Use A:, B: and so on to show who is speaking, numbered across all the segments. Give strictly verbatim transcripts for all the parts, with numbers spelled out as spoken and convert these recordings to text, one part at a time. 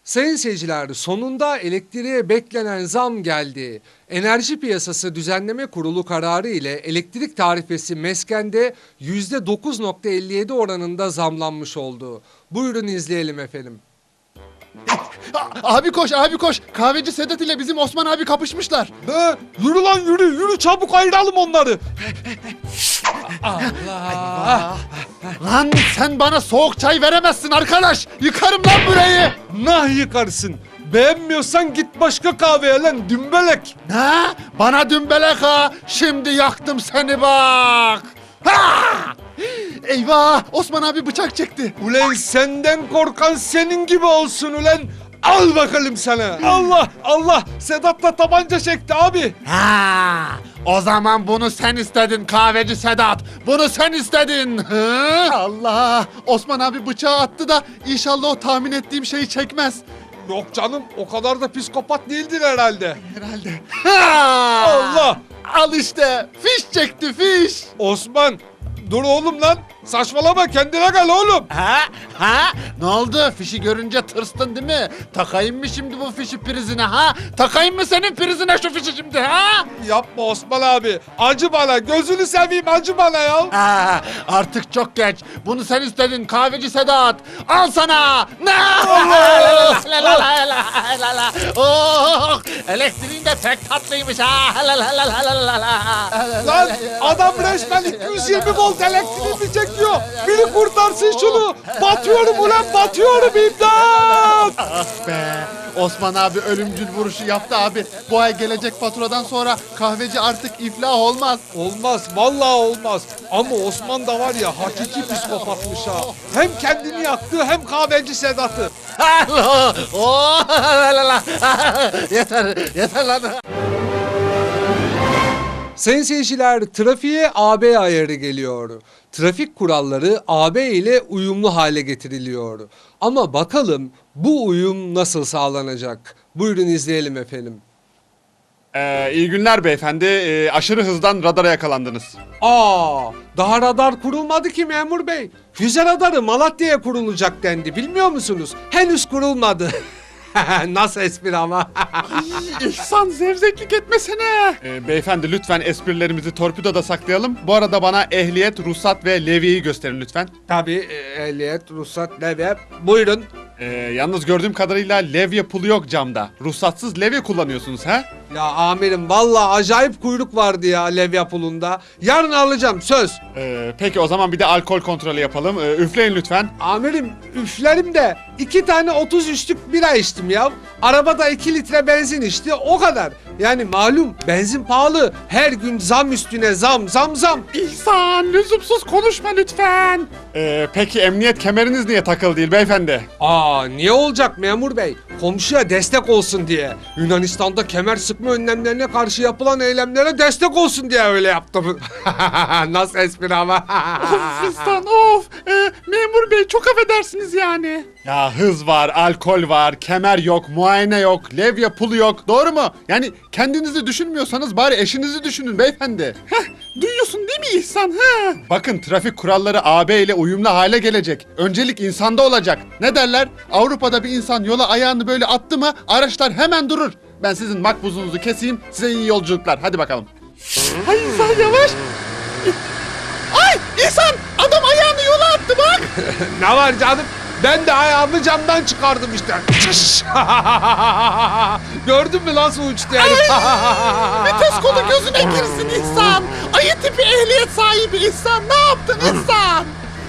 A: Sayın seyirciler, sonunda elektriğe beklenen zam geldi. Enerji Piyasası Düzenleme Kurulu kararı ile elektrik tarifesi meskende yüzde dokuz nokta elli yedi oranında zamlanmış oldu. Buyurun izleyelim efendim.
B: Abi koş, abi koş. Kahveci Sedat ile bizim Osman abi kapışmışlar.
A: Be, yürü lan yürü, yürü çabuk ayıralım onları. Allah!
B: Lan sen bana soğuk çay veremezsin arkadaş. Yıkarım lan burayı.
A: Nah yıkarsın. Beğenmiyorsan git başka kahveye lan dümbelek.
B: Ne? Bana dümbelek ha. Şimdi yaktım seni bak. Ha! Eyvah! Osman abi bıçak çekti.
A: Ulan senden korkan senin gibi olsun ulan. Al bakalım sana. Allah Allah Sedat da tabanca çekti abi.
B: Ha! O zaman bunu sen istedin kahveci Sedat. Bunu sen istedin. Hı? Allah! Osman abi bıçağı attı da inşallah o tahmin ettiğim şeyi çekmez.
A: Yok canım o kadar da psikopat değildir herhalde.
B: Herhalde. Ha!
A: Allah!
B: Al işte. Fiş çekti fiş.
A: Osman dur oğlum lan. Saçmalama kendine gel oğlum.
B: Ha? Ha? Ne oldu? Fişi görünce tırstın değil mi? Takayım mı şimdi bu fişi prizine ha? Takayım mı senin prizine şu fişi şimdi ha?
A: Yapma Osman abi. Acı bana gözünü seveyim acı bana ya.
B: Ha, artık çok geç. Bunu sen istedin kahveci Sedat. Al sana. Ne? Oh, elektriğin de pek tatlıymış ha.
A: Lan adam resmen iki yüz yirmi volt elektriğimi çekiyor. Biri kurtarsın şunu. Batıyorum ulan batıyorum imdat.
B: Ah be. Osman abi ölümcül vuruşu yaptı abi. Bu ay gelecek faturadan sonra kahveci artık iflah olmaz.
A: Olmaz vallahi olmaz. Ama Osman da var ya hakiki psikopatmış ha. Hem kendini yaktı hem kahveci Sedat'ı.
B: Oh, yeter, yeter lan.
A: Sayın seyirciler, trafiğe A B ayarı geliyor. Trafik kuralları A B ile uyumlu hale getiriliyor. Ama bakalım bu uyum nasıl sağlanacak? Buyurun izleyelim efendim.
C: Ee, iyi günler beyefendi. Ee, aşırı hızdan radara yakalandınız.
A: Aa, daha radar kurulmadı ki memur bey. Füze radarı Malatya'ya kurulacak dendi bilmiyor musunuz? Henüz kurulmadı. Nasıl espri ama?
B: İhsan zevzeklik etmesene.
C: Ee, beyefendi lütfen esprilerimizi torpidoda saklayalım. Bu arada bana ehliyet, ruhsat ve levyeyi gösterin lütfen.
A: Tabii e, ehliyet, ruhsat, levye. Buyurun.
C: Ee, yalnız gördüğüm kadarıyla levye pulu yok camda. Ruhsatsız levye kullanıyorsunuz ha?
A: Ya amirim vallahi acayip kuyruk vardı ya levye pulunda. Yarın alacağım söz.
C: Ee, peki o zaman bir de alkol kontrolü yapalım. Ee, üfleyin lütfen.
A: Amirim üflerim de iki tane otuz üçlük bira içtim ya. Arabada iki litre benzin içti o kadar. Yani malum benzin pahalı. Her gün zam üstüne zam zam zam.
C: İhsan lüzumsuz konuşma lütfen. Ee, peki emniyet kemeriniz niye takılı değil beyefendi?
A: Aa niye olacak memur bey? Komşuya destek olsun diye. Yunanistan'da kemer sıkma önlemlerine karşı yapılan eylemlere destek olsun diye öyle yaptım. Nasıl espri ama?
C: Of İhsan of. Ee, memur bey çok affedersiniz yani. Ya hız var, alkol var, kemer yok, muayene yok, levye pulu yok. Doğru mu? Yani kendinizi düşünmüyorsanız bari eşinizi düşünün beyefendi. Heh, duyuyorsun değil mi İhsan? Heh. Bakın trafik kuralları A B ile uyumlu hale gelecek. Öncelik insanda olacak. Ne derler? Avrupa'da bir insan yola ayağını böyle attı mı araçlar hemen durur. Ben sizin makbuzunuzu keseyim, size iyi yolculuklar. Hadi bakalım. Ay İhsan yavaş. Ay İhsan adam ayağını yola attı bak.
A: Ne var canım? Ben de ayağımı camdan çıkardım işte. Gördün mü nasıl uçtu herif?
B: Vites kolu gözüne girsin İhsan. Ayı tipi ehliyet sahibi İhsan. Ne yaptın İhsan?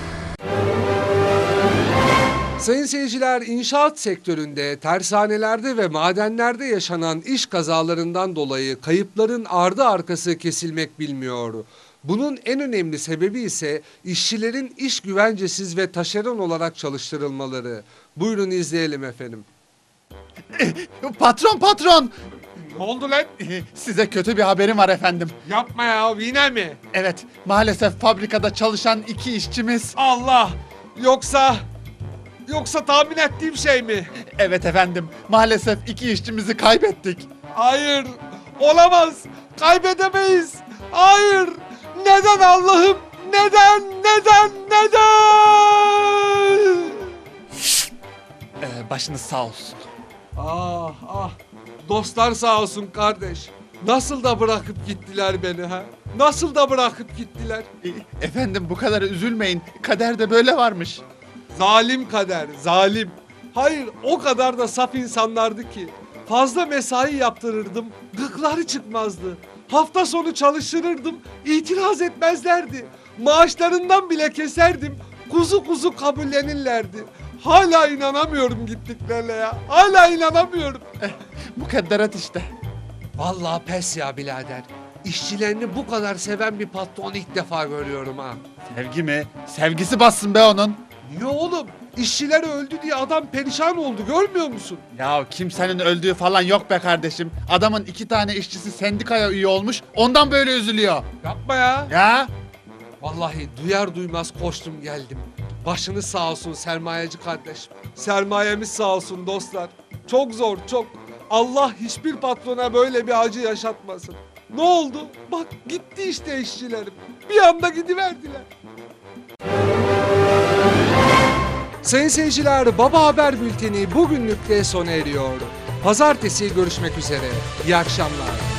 A: Sayın seyirciler, inşaat sektöründe, tersanelerde ve madenlerde yaşanan iş kazalarından dolayı kayıpların ardı arkası kesilmek bilmiyor. Bunun en önemli sebebi ise işçilerin iş güvencesiz ve taşeron olarak çalıştırılmaları. Buyurun izleyelim efendim.
B: Patron patron.
A: Ne oldu lan?
B: Size kötü bir haberim var efendim.
A: Yapma ya yine mi?
B: Evet maalesef fabrikada çalışan iki işçimiz.
A: Allah! Yoksa... Yoksa tahmin ettiğim şey mi?
B: Evet efendim maalesef iki işçimizi kaybettik.
A: Hayır! Olamaz! Kaybedemeyiz! Hayır! Neden Allah'ım? Neden? Neden? Neden?
B: Ee, başınız sağ olsun.
A: Ah ah. Dostlar sağ olsun kardeş. Nasıl da bırakıp gittiler beni ha? Nasıl da bırakıp gittiler?
B: E, efendim bu kadar üzülmeyin. Kaderde böyle varmış.
A: Zalim kader, zalim. Hayır, o kadar da saf insanlardı ki. Fazla mesai yaptırırdım, gıkları çıkmazdı. Hafta sonu çalıştırırdım, itiraz etmezlerdi. Maaşlarından bile keserdim, kuzu kuzu kabullenirlerdi. Hala inanamıyorum gittiklerine ya. Hala inanamıyorum.
B: Mukadderat işte.
A: Vallahi pes ya birader. İşçilerini bu kadar seven bir patron ilk defa görüyorum ha.
B: Sevgi mi? Sevgisi bassın be onun.
A: Niye oğlum? İşçiler öldü diye adam perişan oldu, görmüyor musun?
B: Ya kimsenin öldüğü falan yok be kardeşim. Adamın iki tane işçisi sendikaya üye olmuş. Ondan böyle üzülüyor.
A: Yapma ya.
B: Ya
A: Vallahi duyar duymaz koştum geldim. Başınız sağ olsun sermayeci kardeşim. Sermayemiz sağ olsun dostlar. Çok zor, çok. Allah hiçbir patrona böyle bir acı yaşatmasın. Ne oldu? Bak gitti işte işçilerim. Bir anda gidiverdiler. Sayın seyirciler, Baba Haber Bülteni bugünlük de sona eriyor. Pazartesi görüşmek üzere. İyi akşamlar.